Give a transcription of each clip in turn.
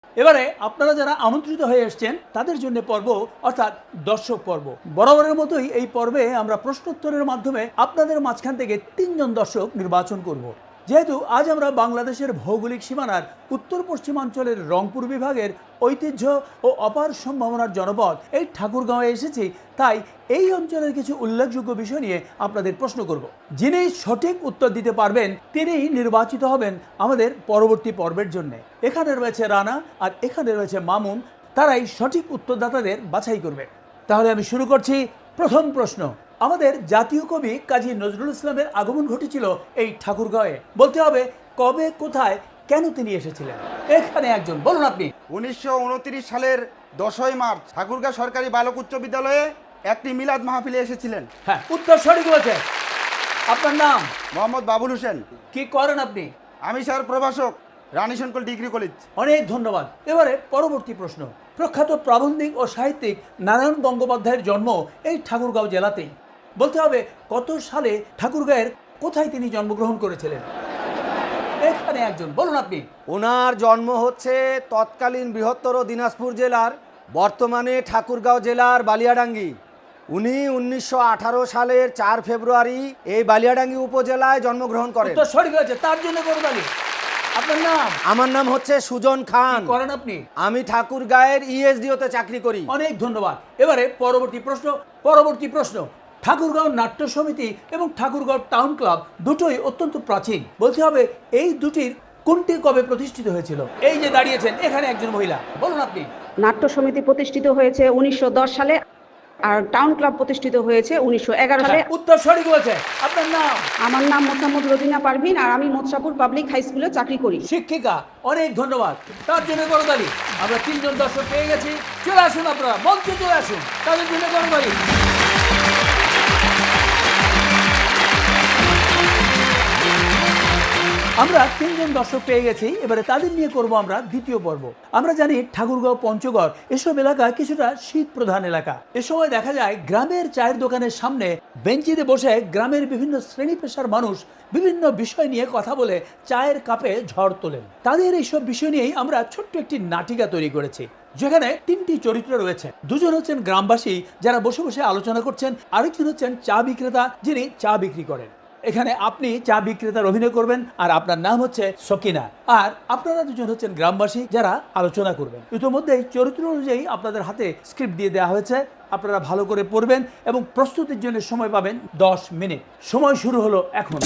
এবারে আপনারা যারা আমন্ত্রিত হয়ে এসেছেন তাদের জন্য পর্ব অর্থাৎ দর্শক পর্ব। বরাবরের মতোই এই পর্বে আমরা প্রশ্নোত্তরের মাধ্যমে আপনাদের মাঝখান থেকে 3 জন দর্শক নির্বাচন করব। যেহেতু আজ আমরা বাংলাদেশের ভৌগোলিক সীমানার উত্তর পশ্চিমাঞ্চলের রংপুর বিভাগের ঐতিহ্য ও অপার সম্ভাবনার জনপদ এই ঠাকুরগাঁওয়ে এসেছি, তাই এই অঞ্চলের কিছু উল্লেখযোগ্য বিষয় নিয়ে আপনাদের প্রশ্ন করব। যিনি সঠিক উত্তর দিতে পারবেন তিনিই নির্বাচিত হবেন আমাদের পরবর্তী পর্বের জন্য। এখানে রয়েছে রানা আর এখানে রয়েছে মামুন, তারাই সঠিক উত্তরদাতাদের বাছাই করবে। তাহলে আমি শুরু করছি। প্রথম প্রশ্ন, আমাদের জাতীয় কবি কাজী নজরুল ইসলামের আগমন ঘটেছিল এই ঠাকুরগাঁওয়ে। বলতে হবে কবে, কোথায়, কেন তিনি এসেছিলেন। এখানে একজন, বলুন আপনি। 1929 সালের 10ই মার্চ ঠাকুরগাঁও সরকারি বালক উচ্চ বিদ্যালয়ে একটি মিলাদ মাহফিলে এসেছিলেন। হ্যাঁ, উত্তর সঠিক হয়েছে। আপনার নাম? মোহাম্মদ বাবুল হোসেন। কি করেন আপনি? আমি স্যার প্রভাষক, রানী শঙ্কর ডিগ্রি কলেজ। অনেক ধন্যবাদ। এবারে পরবর্তী প্রশ্ন, প্রখ্যাত প্রাবন্ধিক ও সাহিত্যিক নারায়ণ গঙ্গোপাধ্যায়ের জন্ম এই ঠাকুরগাঁও জেলাতেই। বলতে হবে কত সালে, ঠাকুরগাঁয়ের কোথায় তিনি জন্মগ্রহণ করেছিলেন। এখানে একজন, বলুন আপনি। ওনার জন্ম হচ্ছে তৎকালীন বৃহত্তর দিনাজপুর জেলার বর্তমানে ঠাকুরগাঁও জেলার বালিয়াডাঙ্গি। উনি 1918 সালের 4 ফেব্রুয়ারি এই বালিয়াডাঙ্গি উপজেলায় জন্মগ্রহণ করেন। উত্তর সঠিক হয়েছে, তার জন্য করবালি। আপনার নাম? আমার নাম হচ্ছে সুজন খান। করেন আপনি? আমি ঠাকুরগাঁয়ের ইএসডিওতে চাকরি করি। অনেক ধন্যবাদ। এবারে পরবর্তী প্রশ্ন, ঠাকুরগাঁও নাট্য সমিতি এবং ঠাকুরগাঁও টাউন ক্লাব দুটোই অত্যন্ত প্রাচীন। বলতে হবে এই দুটির কোনটি কবে প্রতিষ্ঠিত হয়েছিল। এই যে দাঁড়িয়েছেন এখানে একজন মহিলা, বলুন আপনি। নাট্য সমিতি প্রতিষ্ঠিত হয়েছে 1910 সালে আর টাউন ক্লাব প্রতিষ্ঠিত হয়েছে 1911 সালে। উত্তর সঠিক হয়েছে। আপনার নাম? আমার নাম মোসাম্মদ রোজিনা পারভিন আর আমি মোৎসাপুর পাবলিক হাই স্কুলে চাকরি করি। শিক্ষিকা, অনেক ধন্যবাদ। তার জন্য করতালি। আমরা 3 জন দর্শক পেয়ে গেছি। চলে আসুন, আপনারা মঞ্চে চলে আসুন, তাদের জন্য করতালি। আমরা 3 জন দর্শক পেয়ে গেছি। এবারে তাদের নিয়ে করব আমরা দ্বিতীয় পর্ব। আমরা জানি ঠাকুরগাঁও, পঞ্চগড় এসব এলাকা কিছুটা শীত প্রধান এলাকা। এ সময় দেখা যায় গ্রামের চায়ের দোকানের সামনে বেঞ্চিতে বসে গ্রামের বিভিন্ন শ্রেণী পেশার মানুষ বিভিন্ন বিষয় নিয়ে কথা বলে চায়ের কাপে ঝড় তোলেন। তাদের এইসব বিষয় নিয়েই আমরা ছোট্ট একটি নাটিকা তৈরি করেছি, যেখানে 3টি চরিত্র রয়েছে। 2জন হচ্ছেন গ্রামবাসী যারা বসে বসে আলোচনা করছেন, আরেকজন হচ্ছেন চা বিক্রেতা যিনি চা বিক্রি করেন। এখানে আপনি চা বিক্রেতার অভিনয় করবেন আর আপনার নাম হচ্ছে সকিনা, আর আপনারা 2জন হচ্ছেন গ্রামবাসী যারা আলোচনা করবেন। ইতিমধ্যেই চরিত্র অনুযায়ী আপনাদের হাতে স্ক্রিপ্ট দিয়ে দেওয়া হয়েছে। আপনারা ভালো করে পড়বেন এবং প্রস্তুতির জন্য সময় পাবেন 10 মিনিট। সময় শুরু হলো এখন।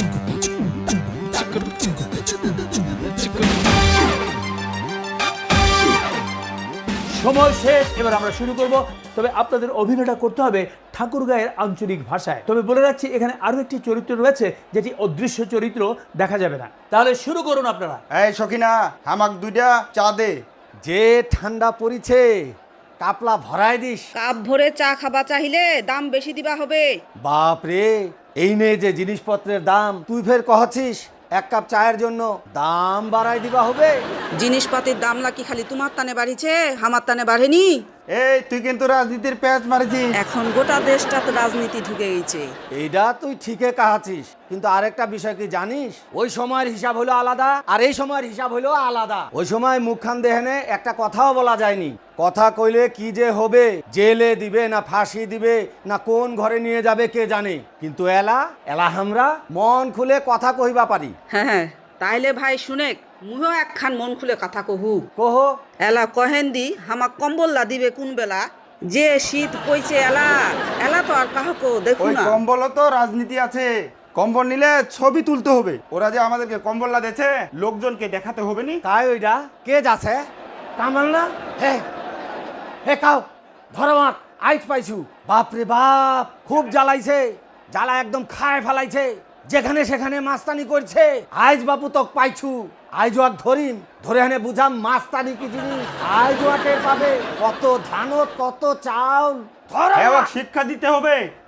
সময় শেষ। এবার আমরা শুরু করব। তবে আপনাদের অভিনয়টা করতে হবে ঠাকুরগাঁয়ের আঞ্চলিক ভাষায়। তবে বলে রাখছি এখানে আরো একটি চরিত্র রয়েছে যেটি অদৃশ্য চরিত্র, দেখা যাবে না। তাহলে শুরু করুন আপনারা। এই সখিনা, হামাক 2টা চা দে। যে ঠান্ডা পড়িছে, কাপলা ভরাই দিস। কাপ ভরে চা খাবা চাইলে দাম বেশি দিবা হবে। বাপ রে, এই নে যে জিনিসপত্রের দাম, তুই ফের কহছিস 1 কাপ চায়ের জন্য দাম বাড়াই দিবা হবে। জিনিসপাতির দাম নাকি খালি তোমার তানে বাড়িছে, আমার তানে বাড়েনি? এই তুই কিন্তু রাজনীতির প্যাচ মারিছিস। এখন গোটা দেশটা তো রাজনীতি ঢুকে গেছে। এইটা তুই ঠিকই কাহাছিস, কিন্তু আরেকটা বিষয় কি জানিস? ওই সময়ের হিসাব হলো আলাদা আর এই সময়ের হিসাব হলো আলাদা। ওই সময় মুখখান দেহেনে একটা কথাও বলা যায়নি। কথা কইলে কি যে হবে, জেলে দিবে না ফাঁসি দিবে না কোন ঘরে নিয়ে যাবে কে জানে। কিন্তু এলা আমরা মন খুলে কথা কহিবা পারি। হ্যাঁ, তাইলে ভাই শুনেক, মুহ একখান মন খুলে কথা কহু। কহ। এলা কহেন দি হামাক কম্বললা দিবে কোন বেলা? যে শীত পইছে এলা এলা তো আর কাহকো দেখু ওই না। কম্বলও তো রাজনীতি আছে। কম্বল নিলে ছবি তুলতে হবে। ওরা যে আমাদেরকে কম্বললা দিয়েছে, লোকজনকে দেখাতে হবে নি। তাই ওইটা কে যাচ্ছে কামাল না? হে হে কাও ধরো মাত, আইজ পাইছু। বাপরে বাপ, খুব জ্বালাইছে, জ্বালা একদম খায় ফেলাইছে। যেখানে সেখানে মাস্তানি করছে। আইজ বাপু তক পাইছু, আইজ ওয়াক ধরিম, ধরে হানে বুঝাম মাস্তানি কি জিনিস। আইজ ওয়াকের পাবে কত ধানত কত চাউল। ধরো শিক্ষা দিতে হবে।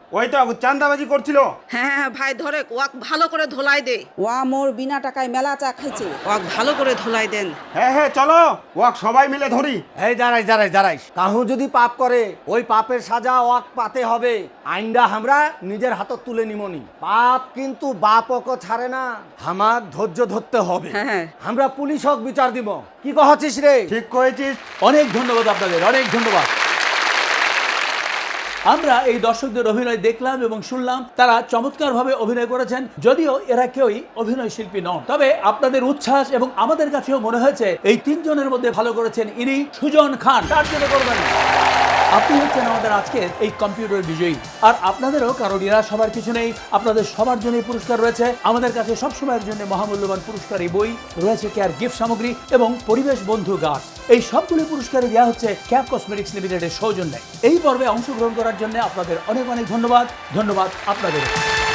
ওই তো চান্দাবাজি করছিল। হ্যাঁ হ্যাঁ ভাই ধরে ওয়াক ভালো করে ধোলাই দে। ওয়া মোর বিনা টাকায় মেলা চা খাইছে, ওয়াক ভালো করে ধোলাই দেন। হ্যাঁ হ্যাঁ চলো ওয়াক সবাই মিলে ধরি। এই দাঁড়াই কাহু যদি পাপ করে ওই পাপের সাজা ওয়াক পাতে হবে। আইনটা আমরা নিজের হাতত তুলে নিমনি। পাপ কিন্তু বাপকে ছাড়ে না, হামাক ধৈর্য ধরতে হবে। হ্যাঁ। আমরা পুলিশ হক বিচার দিব। কি কহছিস রে? ঠিক করেছিস। অনেক ধন্যবাদ আপনাদের, অনেক ধন্যবাদ। আমরা এই দর্শকদের অভিনয় দেখলাম এবং শুনলাম, তারা চমৎকারভাবে অভিনয় করেছেন। যদিও এরা কেউই অভিনয় শিল্পী নন, তবে আপনাদের উচ্ছ্বাস এবং আমাদের কাছেও মনে হয়েছে এই তিনজনের মধ্যে ভালো করেছেন ইনি সুজন খান। তার জন্য করবেন আপনি হচ্ছেন আমাদের আজকের এই কম্পিউটার বিজয়ী। আর আপনাদেরও কারো নিরাশ হবার কিছু নেই, আপনাদের সবার জন্যই পুরস্কার রয়েছে। আমাদের কাছে সবসময়ের জন্য মহামূল্যবান পুরস্কার এই বই রয়েছে, কেয়ার গিফট সামগ্রী এবং পরিবেশ বন্ধু গাছ। এই সবগুলি পুরস্কারে দেওয়া হচ্ছে ক্যাপ কসমেটিক্স লিমিটেডের সৌজন্যে। এই পর্বে অংশগ্রহণ করার জন্য আপনাদের অনেক অনেক ধন্যবাদ। ধন্যবাদ আপনাদের।